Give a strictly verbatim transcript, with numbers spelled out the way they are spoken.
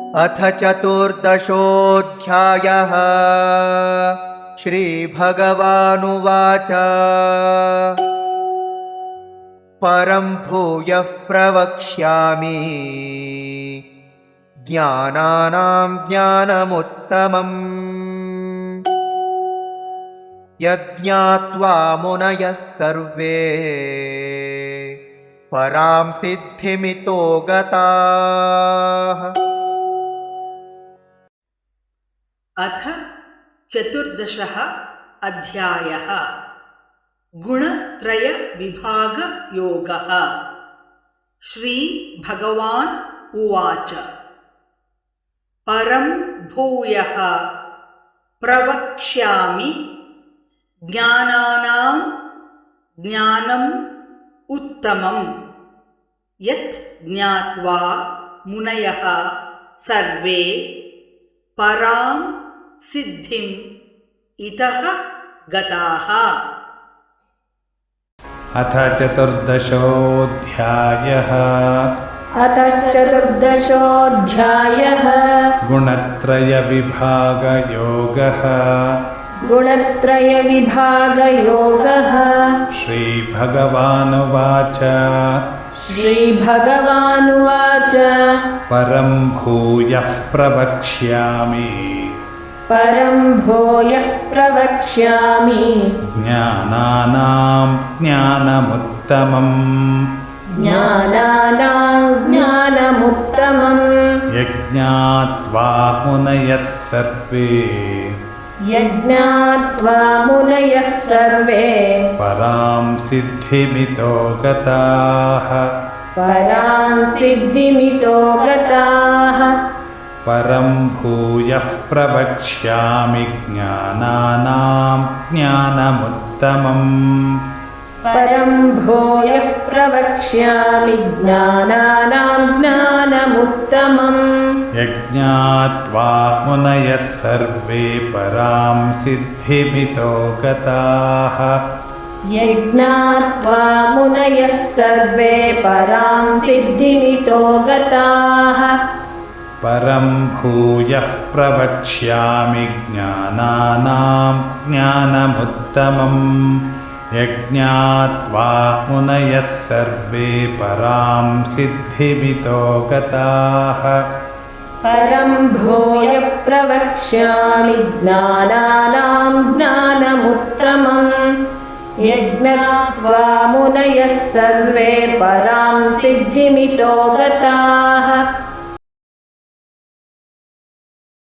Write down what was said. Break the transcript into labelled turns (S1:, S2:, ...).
S1: अथ चतुर्दशोऽध्यायः। श्रीभगवानुवाच परं भूयः प्रवक्ष्यामि ज्ञानानां ज्ञानमुत्तमम् यज्ञात्वा मुनयः सर्वे परां सिद्धिमितो गताः।
S2: अथ चतुर्दशः अध्यायः। गुणत्रय विभाग योगः। श्री भगवान् उवाच परं भूयः प्रवक्ष्यामि ज्ञानानां ज्ञानम् उत्तमम् यत् ज्ञात्वा मुनयः सर्वे परां सिद्धिम् इतः गताः।
S3: अथ चतुर्दशोऽध्यायः।
S4: अथ चतुर्दशोऽध्यायः।
S3: गुणत्रयविभागयोगः।
S4: गुणत्रयविभागयोगः।
S3: श्रीभगवानुवाच
S4: श्रीभगवानुवाच
S3: परं भूयः प्रवक्ष्यामि
S4: परं भूयः प्रवक्ष्यामि
S3: ज्ञानानां ज्ञानमुत्तमम्
S4: ज्ञानानां ज्ञानमुत्तमम्
S3: यज्ञात्वा मुनयः सर्वे
S4: यज्ञात्वा मुनयः सर्वे
S3: परां सिद्धिमितो गताः
S4: परां सिद्धिमितो गताः।
S3: परं भूयः प्रवक्ष्यामि ज्ञानानां ज्ञानमुत्तमम्
S4: परं भूयः प्रवक्ष्यामि ज्ञानानां ज्ञानमुत्तमम्
S3: यज्ञात्वा मुनयः सर्वे परां सिद्धिमितो गताः
S4: यज्ञात्वा मुनयः सर्वे परां सिद्धिमितो गताः।
S3: परं भूयः प्रवक्ष्यामि ज्ञानानां ज्ञानमुत्तमम् यज्ञात्वा मुनयः सर्वे परां सिद्धिमितो गताः।
S4: परं भूयः प्रवक्ष्यामि ज्ञानानां ज्ञानमुत्तमम् यज्ञात्वा मुनयः सर्वे परां सिद्धिमितो गताः।